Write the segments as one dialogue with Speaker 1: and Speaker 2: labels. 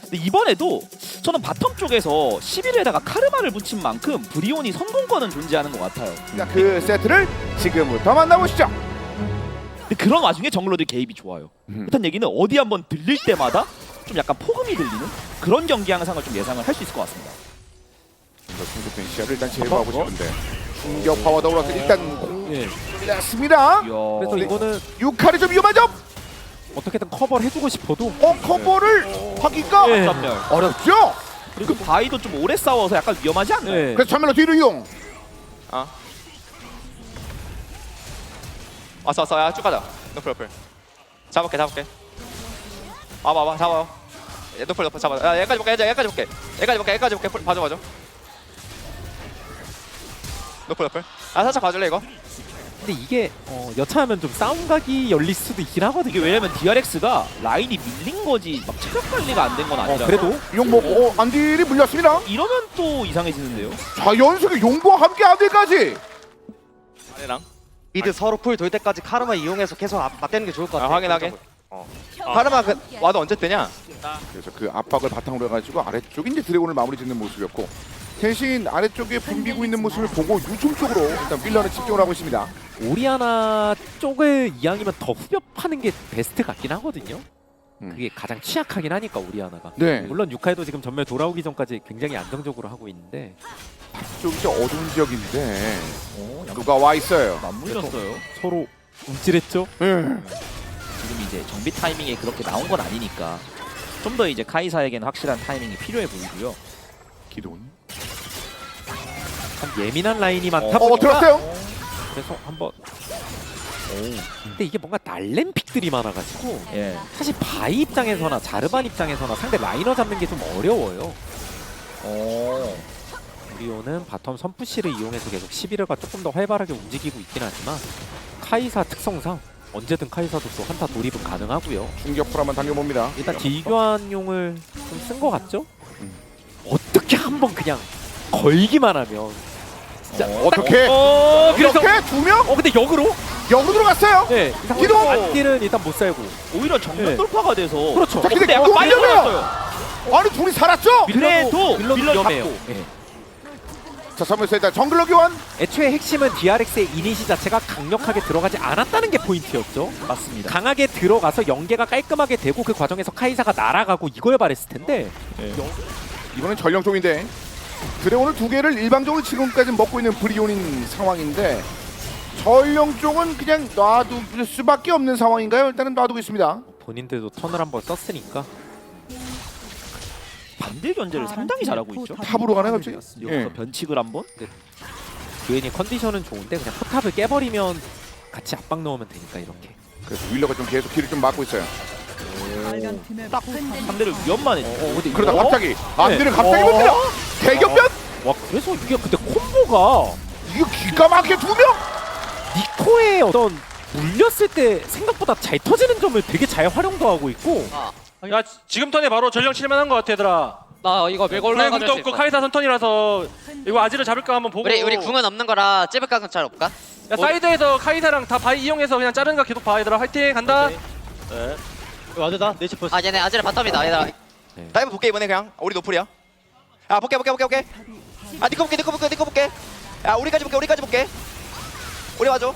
Speaker 1: 근데 이번에도 저는 바텀 쪽에서 11에다가 카르마를 붙인 만큼 브리온이 성공권은 존재하는 것 같아요.
Speaker 2: 그 세트를 지금부터 만나보시죠.
Speaker 1: 근데 그런 와중에 정글러들 개입이 좋아요. 그렇다는 얘기는 어디 한번 들릴 때마다 좀 약간 폭음이 들리는 그런 경기 양상을 좀 예상을 할 수 있을 것 같습니다.
Speaker 2: 충격된 시야를 일단 제거하고 싶은데 충격 파워 더불어서 일단
Speaker 3: 예.
Speaker 2: 공략습니다.
Speaker 3: 그래서 이거는
Speaker 2: 유칼이 좀 위험하죠?
Speaker 3: 어떻게든 커버를 해주고 싶어도
Speaker 2: 커버를 하기가
Speaker 3: 예.
Speaker 1: 전멸.
Speaker 2: 어렵죠?
Speaker 1: 그리고 바이도 좀 오래 싸워서 약간 위험하지 않나요?
Speaker 3: 예.
Speaker 2: 그래서 전멸로 뒤로 이동.
Speaker 4: 왔어 야 쭉 가자. 노플 잡을게 와봐 잡아요. 노플 잡아. 야 얘까지 볼게 봐줘 노플 살짝 봐줄래 이거?
Speaker 3: 근데 이게 여차하면 좀 싸움각이 열릴 수도 있긴 하거든요.
Speaker 1: 이게 왜냐면 DRX가 라인이 밀린 거지 막 체력 관리가 안 된 건 아니라
Speaker 3: 그래도
Speaker 2: 용보 안딜이 물렸습니다.
Speaker 1: 이러면 또 이상해지는데요.
Speaker 2: 자 연속의 용보와 함께 안딜까지.
Speaker 4: 아니랑
Speaker 5: 미드 서로 풀 돌 때까지 카르마 이용해서 계속 맞대는 게 좋을 것 같아.
Speaker 4: 확인하게. 카르마 그 와도 언제 뜨냐?
Speaker 2: 그래서 그 압박을 바탕으로 해가지고 아래쪽에 이제 드래곤을 마무리 짓는 모습이었고 대신 아래쪽에 붐비고 있는 모습을 보고 유충 쪽으로 일단 밀러는 집중을 하고 있습니다.
Speaker 3: 오리아나 쪽을 이왕이면 더 후벼 파는 게 베스트 같긴 하거든요. 그게 가장 취약하긴 하니까 오리아나가.
Speaker 2: 네.
Speaker 3: 물론 유카이도 지금 전멸 돌아오기 전까지 굉장히 안정적으로 하고 있는데
Speaker 2: 좀 이제 어두운 지역인데 누가 와 있어요.
Speaker 1: 맞물렸어요.
Speaker 3: 서로 움찔했죠.
Speaker 1: 지금 이제 정비 타이밍에 그렇게 나온 건 아니니까 좀 더 이제 카이사에게는 확실한 타이밍이 필요해 보이고요.
Speaker 2: 기돈.
Speaker 3: 참 예민한 라인이 많다 보니까
Speaker 2: 들었어요?
Speaker 3: 그래서 한번 근데 이게 뭔가 날램픽들이 많아가지고
Speaker 1: 예.
Speaker 3: 사실 바이 입장에서나 자르반 입장에서나 상대 라이너 잡는 게 좀 어려워요. 우리오는 바텀 선푸시를 이용해서 계속 11회가 조금 더 활발하게 움직이고 있긴 하지만 카이사 특성상 언제든 카이사도 또 한타 돌입은 가능하고요.
Speaker 2: 충격풀 한번 당겨봅니다.
Speaker 3: 일단 딜교환용을 좀 쓴 것 같죠? 어떻게 한번 그냥 걸기만 하면 진짜
Speaker 2: 어떻게?
Speaker 3: 그래서
Speaker 2: 이렇게 두 명?
Speaker 3: 근데 역으로?
Speaker 2: 역으로 들어갔어요.
Speaker 3: 네
Speaker 2: 기동!
Speaker 3: 안딜은 일단 못 살고
Speaker 1: 오히려 정면
Speaker 3: 네.
Speaker 1: 돌파가 돼서
Speaker 3: 그렇죠.
Speaker 2: 자, 근데
Speaker 1: 근데 약간
Speaker 2: 그거
Speaker 1: 빨리
Speaker 2: 밀려요!
Speaker 1: 올랐어요.
Speaker 2: 아니 둘이 살았죠?
Speaker 1: 그래도
Speaker 3: 밀러도
Speaker 1: 밀러
Speaker 3: 위험해요.
Speaker 1: 잡고.
Speaker 3: 예.
Speaker 2: 자 3회에서 일단 정글러 교환.
Speaker 3: 애초에 핵심은 DRX의 이니시 자체가 강력하게 들어가지 않았다는 게 포인트였죠.
Speaker 1: 맞습니다.
Speaker 3: 강하게 들어가서 연계가 깔끔하게 되고 그 과정에서 카이사가 날아가고 이걸 바랬을 텐데
Speaker 2: 이번엔 전령 쪽인데 드래곤을 두 개를 일방적으로 지금까지 먹고 있는 브리온인 상황인데 전령 쪽은 그냥 놔둘 수밖에 없는 상황인가요? 일단은 놔두고 있습니다.
Speaker 3: 본인들도 턴을 한번 썼으니까
Speaker 1: 반대 견제를 상당히 잘하고 있죠.
Speaker 2: 탑으로 가네 갑자기.
Speaker 1: 여기서 변칙을 한번.
Speaker 3: 듀엔이 컨디션은 좋은데 그냥 포탑을 깨버리면 같이 압박 넣으면 되니까 이렇게.
Speaker 2: 그래서 윌러가 좀 계속 길을 좀 막고 있어요.
Speaker 1: 딱 상대를 위험만 해줘.
Speaker 3: 근데
Speaker 2: 그러다
Speaker 3: 이거-
Speaker 2: 갑자기 안드를 갑자기 봅니다. 대격변?
Speaker 3: 와 그래서 이게 근데 콤보가
Speaker 2: 이거 기가 막히게 두 명?
Speaker 3: 니코의 어떤 물렸을 때 생각보다 잘 터지는 점을 되게 잘 활용도 하고 있고
Speaker 6: 야 지금 턴에 바로 전령 칠만한 것 같아 얘들아.
Speaker 7: 나 이거 밀고
Speaker 6: 블레
Speaker 7: 올라가면
Speaker 6: 궁도 없고 카이사 선턴이라서 이거 아지를 잡을까 한번 보고.
Speaker 7: 우리 궁은 없는 거라 찝을 각은 잘 없까?
Speaker 6: 야 사이드에서 카이사랑 다 바이 이용해서 그냥 자르는 거 계속 봐 얘들아. 화이팅 간다.
Speaker 5: 와드다 네시 플스.
Speaker 7: 아 얘네 아지를 바텀이다 얘들아.
Speaker 4: 다이브 볼게 이번에 그냥. 우리 노플이야. 야 볼게. 아 니꺼 볼게. 야 우리까지 볼게. 우리 와줘.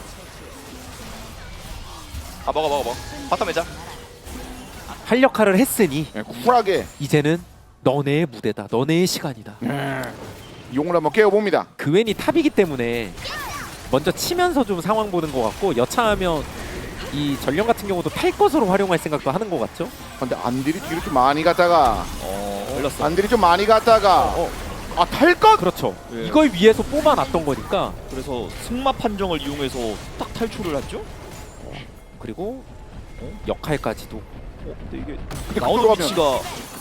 Speaker 4: 아 먹어. 바텀 매자.
Speaker 3: 할 역할을 했으니
Speaker 2: 네, 쿨하게
Speaker 3: 이제는 너네의 무대다. 너네의 시간이다.
Speaker 2: 용을 한번 깨워봅니다.
Speaker 3: 그웬이 탑이기 때문에 먼저 치면서 좀 상황 보는 것 같고 여차하면 이 전령 같은 경우도 탈 것으로 활용할 생각도 하는 것 같죠?
Speaker 2: 근데 안딜이 뒤로 좀 많이 갔다가
Speaker 1: 걸렸어.
Speaker 2: 안딜이 좀 많이 갔다가 아 탈 것?
Speaker 3: 그렇죠.
Speaker 1: 예.
Speaker 3: 이걸 위해서 뽑아놨던 거니까
Speaker 1: 그래서 승마 판정을 이용해서 딱 탈출을 했죠.
Speaker 3: 그리고 역할까지도
Speaker 1: 근데 이게
Speaker 2: 근데
Speaker 1: 나오는
Speaker 2: 그쪽으로
Speaker 1: 위치가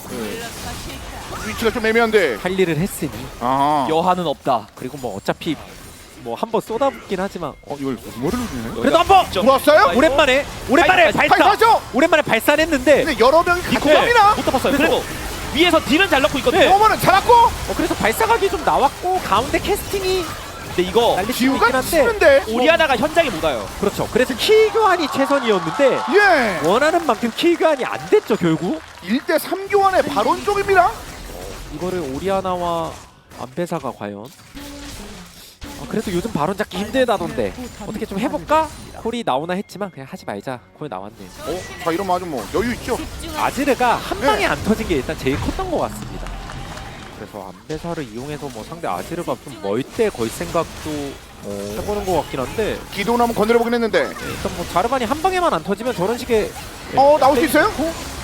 Speaker 2: 위치가 좀 애매한데.
Speaker 3: 할 일을 했으니
Speaker 2: 아
Speaker 1: 여한은 없다.
Speaker 3: 그리고 뭐 어차피 뭐 한번 쏟아붓긴 하지만
Speaker 2: 이걸 머리를 주네.
Speaker 3: 그래도 한번
Speaker 2: 들어왔어요?
Speaker 3: 오랜만에 발사
Speaker 2: 발사죠?
Speaker 3: 오랜만에 발사했는데
Speaker 2: 근데 여러 명이 같이 갑니다.
Speaker 1: 못 tap았어요. 그리고 위에서 딜은 잘 넣고 있거든요.
Speaker 3: 네.
Speaker 2: 어머는 잡았고
Speaker 3: 그래서 발사각이 좀 나왔고 가운데 캐스팅이
Speaker 1: 근데 이거
Speaker 3: 날릴 수
Speaker 2: 지우가
Speaker 3: 있긴 한데
Speaker 2: 치는데.
Speaker 1: 오리아나가 현장에 못 와요.
Speaker 3: 그렇죠. 그래서 키 교환이 최선이었는데
Speaker 2: 예.
Speaker 3: 원하는 만큼 키 교환이 안 됐죠 결국.
Speaker 2: 1대 3 교환의 발언 쪽입니다.
Speaker 3: 이거를 오리아나와 안배사가 과연 그래도 요즘 발언 잡기 힘들다던데 어떻게 좀 해볼까? 콜이 나오나 했지만 그냥 하지 말자. 콜 나왔네.
Speaker 2: 자 이러면 아주 뭐 여유 있죠.
Speaker 3: 아지르가 한 방에 안 터진 게 일단 제일 컸던 것 같습니다. 그래서 안배사를 이용해서 뭐 상대 아지르가 좀 멀 때 걸 생각도 해보는 것 같긴 한데
Speaker 2: 기도는 한번 건드려보긴 했는데.
Speaker 3: 일단 뭐 자르반이 한 방에만 안 터지면 저런 식의
Speaker 2: 나올 수 있어요?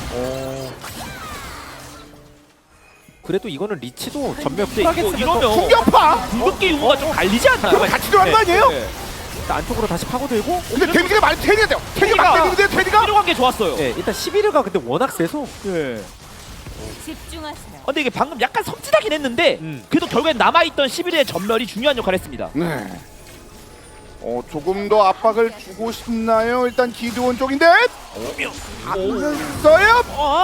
Speaker 3: 그래도 이거는 리치도 전멸
Speaker 1: 근데
Speaker 3: 쿨하게
Speaker 1: 이거
Speaker 3: 쓰면서
Speaker 1: 이러면
Speaker 2: 충격파.
Speaker 1: 궁극기 유무가 좀 갈리지 않나요?
Speaker 2: 그럼 같이 들어간 거 아니에요?
Speaker 1: 네.
Speaker 3: 일단 안쪽으로 다시 파고들고
Speaker 2: 근데 데미지가 많이 테디가 돼요. 테디가 막 때리는데 테디가.
Speaker 1: 필요한 게 좋았어요.
Speaker 3: 네, 일단 11가 근데 워낙 세서
Speaker 1: 예.
Speaker 8: 집중하세요.
Speaker 1: 근데 이게 방금 약간 섬찟하긴 했는데 그래도 결국엔 남아있던 11의 전멸이 중요한 역할을 했습니다.
Speaker 2: 네. 조금 더 압박을 주고 싶나요? 일단 기드원 쪽인데. 안 써요.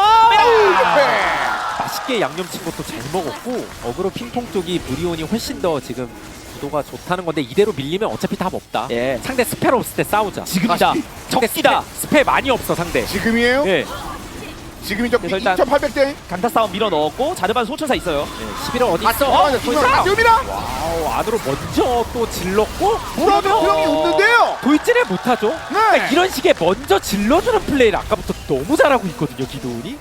Speaker 3: 맛있게 양념 친 것도 잘 먹었고 어그로 핑퐁 쪽이 브리온이 훨씬 더 지금 구도가 좋다는 건데 이대로 밀리면 어차피 답 없다.
Speaker 1: 예.
Speaker 3: 상대 스펠 없을 때 싸우자.
Speaker 1: 지금이다.
Speaker 3: 상대
Speaker 1: 적기다.
Speaker 3: 스펠 많이 없어 상대.
Speaker 2: 지금이에요?
Speaker 3: 예.
Speaker 2: 지금이죠.
Speaker 1: 그래서 일단
Speaker 2: 2,800대.
Speaker 1: 강타 싸움 밀어 넣었고 자르반 소천사 있어요.
Speaker 3: 11월 어디 있어?
Speaker 2: 지금이다.
Speaker 3: 안으로 먼저 또 질렀고
Speaker 2: 무라도 형이 없는데요.
Speaker 3: 돌진을 못하죠.
Speaker 2: 네.
Speaker 3: 그러니까 이런 식의 먼저 질러주는 플레이를 아까부터 너무 잘하고 있거든요 기도훈이.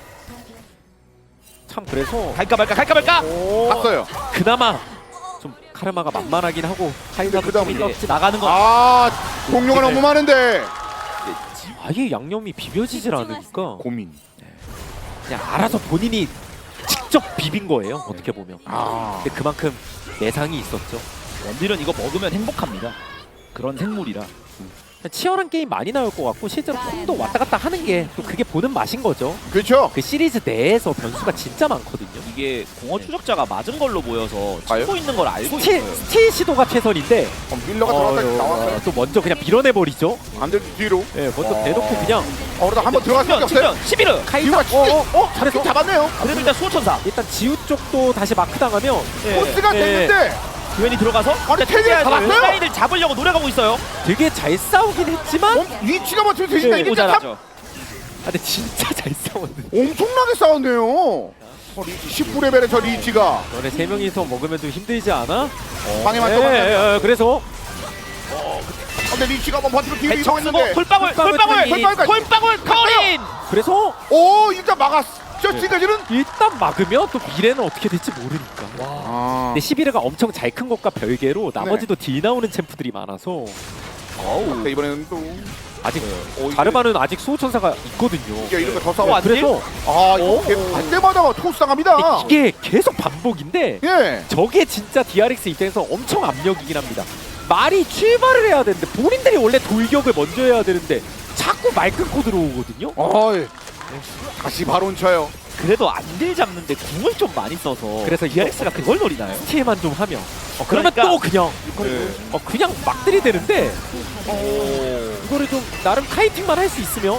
Speaker 3: 참 그래서
Speaker 1: 갈까 말까.
Speaker 2: 봤어요.
Speaker 3: 그나마 좀 카르마가 만만하긴 하고 카이사도
Speaker 2: 그다음
Speaker 3: 좀
Speaker 1: 이제 나가는 건
Speaker 2: 공룡가 너무 많은데.
Speaker 3: 아예 양념이 비벼지질 않으니까
Speaker 2: 고민.
Speaker 3: 그냥 알아서 본인이 직접 비빈 거예요 어떻게 보면. 근데 그만큼 예상이 있었죠.
Speaker 1: 원딜은 이거 먹으면 행복합니다. 그런 생물이라.
Speaker 3: 치열한 게임 많이 나올 것 같고 실제로 폼도 왔다 갔다 하는 게 또 그게 보는 맛인 거죠.
Speaker 2: 그렇죠.
Speaker 3: 그 시리즈 내에서 변수가 진짜 많거든요.
Speaker 1: 이게 공허 추적자가 맞은 걸로 보여서
Speaker 2: 아유?
Speaker 1: 찍고 있는 걸 알고
Speaker 3: 스틸,
Speaker 1: 있어요.
Speaker 3: 스틸 시도가 최선인데
Speaker 2: 밀러가 들어갔다 나왔어요.
Speaker 3: 또 먼저 그냥 밀어내버리죠.
Speaker 2: 안될 뒤로.
Speaker 3: 예, 먼저 대놓고 그냥
Speaker 2: 그러다 한번 들어갈 수밖에 없어요.
Speaker 1: 11은
Speaker 3: 카이사
Speaker 2: 잘했어. 잡았네요.
Speaker 1: 그래도 일단 수호천사
Speaker 3: 일단 지우 쪽도 다시 마크 당하면
Speaker 2: 코스가
Speaker 3: 예.
Speaker 2: 됐는데.
Speaker 1: 교현이 들어가서
Speaker 2: 아니 테디가 잡았어요.
Speaker 1: 라인을 잡으려고 노력하고 있어요.
Speaker 3: 되게 잘 싸우긴 했지만
Speaker 2: 위치가 맞추면 되신다.
Speaker 3: 예,
Speaker 2: 이게
Speaker 1: 오잘
Speaker 2: 참
Speaker 1: 하죠.
Speaker 3: 근데 진짜 잘 싸웠는데
Speaker 2: 엄청나게 싸웠네요. 19레벨의 저 리치가
Speaker 3: 너네 세 명이서 먹으면 좀 힘들지 않아?
Speaker 2: 방해만
Speaker 3: 예,
Speaker 2: 떠봤는데.
Speaker 3: 예, 예, 그래서
Speaker 2: 근데 리치가 한번 버티고 뒤로
Speaker 1: 대척 쓰고
Speaker 2: 이동했는데.
Speaker 1: 콜방울 커린.
Speaker 3: 그래서
Speaker 2: 일단 막았어. 지금까지는.
Speaker 3: 일단 막으면 또 미래는 어떻게 될지 모르니까. 근데 11회가 엄청 잘 큰 것과 별개로 나머지도 딜 나오는 챔프들이 많아서
Speaker 2: 네, 이번에는 또
Speaker 3: 아직 자르바는 아직 수호천사가 있거든요.
Speaker 2: 이게 이런 거더 싸워.
Speaker 3: 그래서
Speaker 2: 이거 갈 때마다 토스 당합니다.
Speaker 3: 이게 계속 반복인데
Speaker 2: 예.
Speaker 3: 저게 진짜 DRX 입장에서 엄청 압력이긴 합니다. 말이 출발을 해야 되는데 본인들이 원래 돌격을 먼저 해야 되는데 자꾸 말 끊고 들어오거든요.
Speaker 2: 다시 바론 쳐요.
Speaker 1: 그래도 안딜 잡는데 궁을 좀 많이 써서
Speaker 3: 그래서
Speaker 1: DRX가 그걸 노리나요?
Speaker 3: 스틸만 좀 하면 그러면
Speaker 1: 그러니까-
Speaker 3: 또 그냥 그냥 막 들이대는데 이거를 좀 나름 카이팅만 할 수 있으면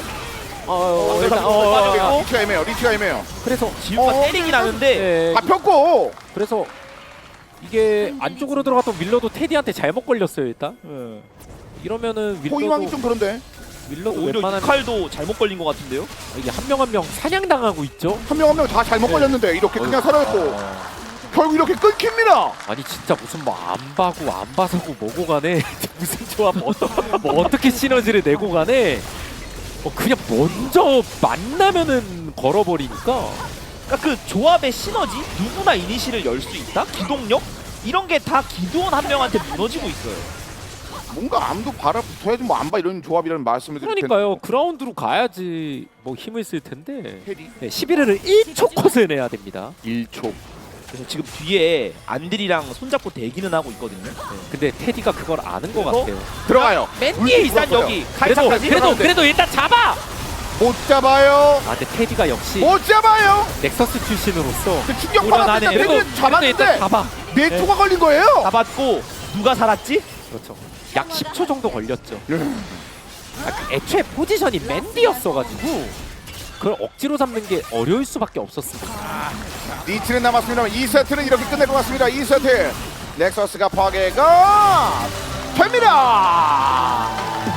Speaker 3: 일단
Speaker 2: 리치가 애매해요.
Speaker 3: 그래서
Speaker 1: 지우가 때리긴 하는데
Speaker 3: 예,
Speaker 2: 잡혔고.
Speaker 3: 그래서 이게 안쪽으로 들어갔던 윌러도 테디한테 잘못 걸렸어요 일단. 이러면은
Speaker 2: 포위망이 좀 그런데
Speaker 3: 윌러도
Speaker 1: 오히려
Speaker 3: 웬만한
Speaker 1: 칼도 잘못 걸린 것 같은데요?
Speaker 3: 이게 한 명 한 명 사냥당하고 있죠.
Speaker 2: 한 명 한 명 다 잘못 걸렸는데 이렇게 그냥 살아있고 결국 이렇게 끊깁니다.
Speaker 3: 아니 진짜 무슨 뭐 안 봐고 안 봐서고 뭐고 간에 무슨 조합 뭐 어떻게 시너지를 내고 간에 그냥 먼저 만나면은 걸어버리니까.
Speaker 1: 그러니까 그 조합의 시너지? 누구나 이니시를 열 수 있다? 기동력? 이런 게 다 기도원 한 명한테 무너지고 있어요.
Speaker 2: 뭔가 암도 바라 붙어야지 뭐 안 봐 이런 조합이라는 말씀을 드릴 텐데.
Speaker 3: 그러니까요. 그라운드로 가야지 뭐 힘을 쓸 텐데.
Speaker 2: 테디.
Speaker 3: 11회를 1초 컷을 내야 됩니다.
Speaker 2: 1초.
Speaker 1: 그래서 지금 뒤에 안들이랑 손잡고 대기는 하고 있거든요.
Speaker 3: 근데 테디가 그걸 아는 것
Speaker 1: 그래서
Speaker 3: 같아요.
Speaker 2: 들어가요.
Speaker 1: 맨 뒤에 일단
Speaker 2: 들어갔어요.
Speaker 1: 여기
Speaker 3: 그래도
Speaker 1: 카이사까지
Speaker 3: 그래도 일단 잡아.
Speaker 2: 못 잡아요.
Speaker 3: 아 근데 테디가 역시
Speaker 2: 못 잡아요.
Speaker 3: 넥서스 출신으로서
Speaker 2: 그 충격파가 일단
Speaker 3: 그래도
Speaker 2: 테디를 잡았는데
Speaker 3: 일단 잡아.
Speaker 2: 몇 초가 걸린 거예요?
Speaker 1: 잡았고 누가 살았지?
Speaker 3: 그렇죠. 약 10초 정도 걸렸죠. 애초에 포지션이 맨디였어가지고 그걸 억지로 잡는 게 어려울 수밖에 없었습니다.
Speaker 2: 리치는 남았습니다만 2세트는 이렇게 끝낼 것 같습니다. 2세트 넥서스가 파괴가 됩니다.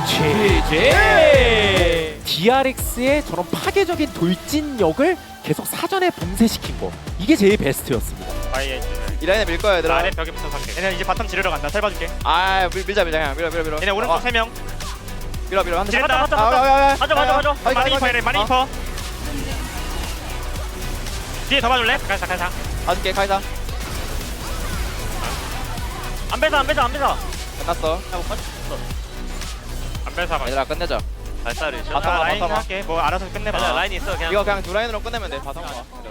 Speaker 3: 제제 DRX의 저런 파괴적인 돌진력을 계속 사전에 봉쇄시킨 거 이게 제일 베스트였습니다.
Speaker 4: 이 라인에 밀 거야 얘들아.
Speaker 6: 아래 벽에부터 살게. 얘네 이제 바텀 지르러 간다. 살 봐줄게.
Speaker 4: 아 밀자 그냥 밀어.
Speaker 6: 얘네 오른쪽 3명.
Speaker 4: 밀어 한대.
Speaker 6: 지른다.
Speaker 4: 맞아.
Speaker 6: 맞아.
Speaker 4: 아이,
Speaker 6: 많이
Speaker 4: 아이,
Speaker 6: 입어 얘네. 많이
Speaker 4: 어.
Speaker 6: 입어. 뒤에 더 봐줄래? 가자.
Speaker 4: 봐줄게 카이사.
Speaker 6: 안 배사.
Speaker 4: 끝났어.
Speaker 6: 안 배사.
Speaker 4: 얘들아 끝내자.
Speaker 6: 발사를.
Speaker 4: 바텀 와.
Speaker 6: 라인 할게. 뭐 알아서 끝내봐.
Speaker 4: 이거 그냥 두 라인으로 끝내면 돼. 바텀 와.